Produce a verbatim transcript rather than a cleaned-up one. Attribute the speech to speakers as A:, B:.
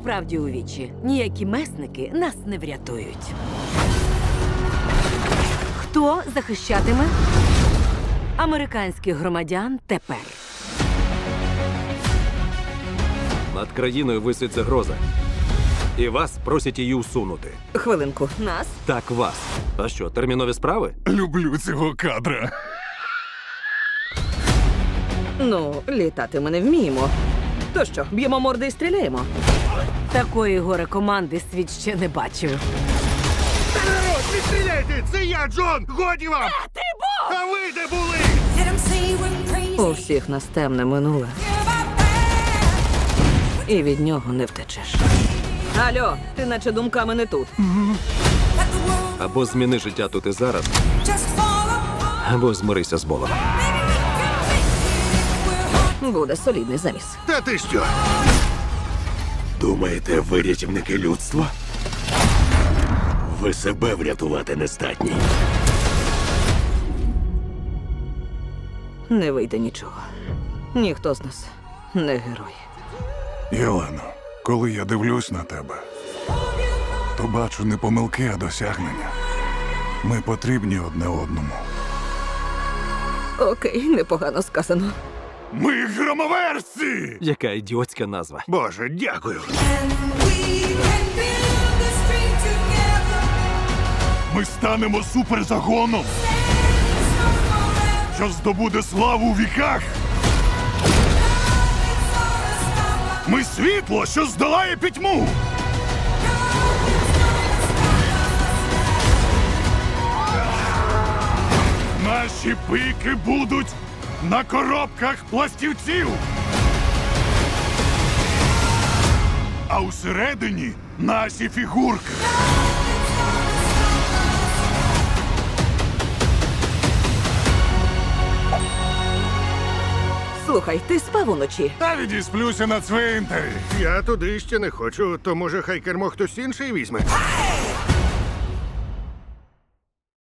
A: правді у вічі. Ніякі месники нас не врятують. Хто захищатиме американських громадян тепер?
B: Над країною висить загроза. І вас просять її усунути.
C: Хвилинку.
A: Нас?
B: Так, вас. А що, термінові справи?
D: Люблю цього кадра.
C: Ну, літати ми не вміємо. То що, б'ємо морди і стріляємо?
A: Такої горе команди світ ще не бачив.
E: Народ, не стріляйте! Це я, Джон! Годі вам! Ти був! А ви де були?
C: У всіх нас темне минуле. І від нього не втечеш. Алло, ти наче думками не тут.
B: Або зміни життя тут і зараз, або змирися з болем.
C: Буде солідний заміс.
E: Та ти що?
F: Думаєте, ви рятівники людства? Ви себе врятувати не здатні.
C: Не вийде нічого. Ніхто з нас не герой.
D: Єлено, коли я дивлюсь на тебе, то бачу не помилки, а досягнення. Ми потрібні одне одному.
C: Окей, непогано сказано.
D: Ми громоверці!
B: Яка ідіотська назва.
E: Боже, дякую.
D: Ми станемо суперзагоном, що здобуде славу у віках. Ми світло, що здолає пітьму. Наші пики будуть на коробках пластівців. А усередині наші фігурки.
C: Слухай, ти спав уночі?
D: Та відісплюся на цвинтарі.
E: Я туди ще не хочу, то може хай кермо хтось інший візьме.